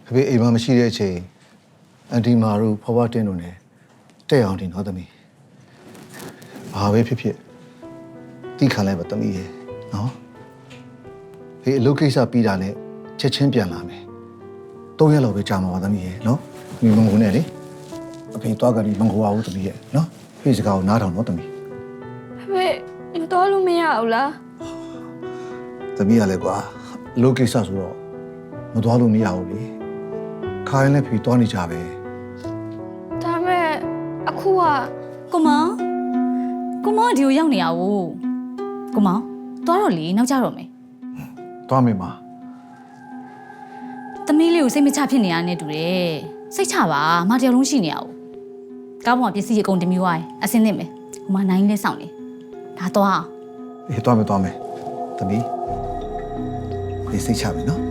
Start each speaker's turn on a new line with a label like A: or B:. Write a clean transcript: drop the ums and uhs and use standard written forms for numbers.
A: ဖေဖေအိမ်မှာမရှိတဲ့အချိန်အန်တီမာတို့ဖွားဖွားတင်းတို့နဲ့တဲ့အောင်တင်တော့သမီးဘာပဲဖြစ်ဖြစ်တိခံလိုက်ပါသမီးရေနော်ဖေအလုပ်ကိစ္စပြီးတာနဲ့ချက်ချင်းပြန်လာမယ်3ရက်လောက်ပဲကြာမှာပါသမီးရေနော်ဒီမုံကုန်နဲ့လေအဖေသွားကြပြီးမင်္ဂလာဦးသမီးရေနော်ဖေစကားကိုနားထောင်တော့သမီး
B: ဖေမတော်လို့မရဘူးလား
A: သမီးရလဲကွာအလုပ်ကိစ္စဆိုတော့မသွားလို့မရဘူးလေခါရင်လည်းဖေသွားနေကြပဲ
B: ဒါမဲ့အခုက
C: ကိုမောင်ဒီကိုရောက်နေရဘူးကိုမောင်သွားတော့လေနောက်ကြတော့မယ်
A: သွားမယ်မ
C: သမီးလေးကိုစိတ်မချဖြစ်နေရတဲ့တူတယ်စိတ်ချပါမတယောက်လုံးရှိနေရဘူးကားပေါ်မှာပစ္စည်းအကုန်တမျိုးသွားရင်အစင်းသင့်မယ်ဟိုမှာနိုင်လဲစောင့်နေဒါသွားအောင်
A: အေးသွားမယ်သမီးဖေစိတ်ချမယ်နော်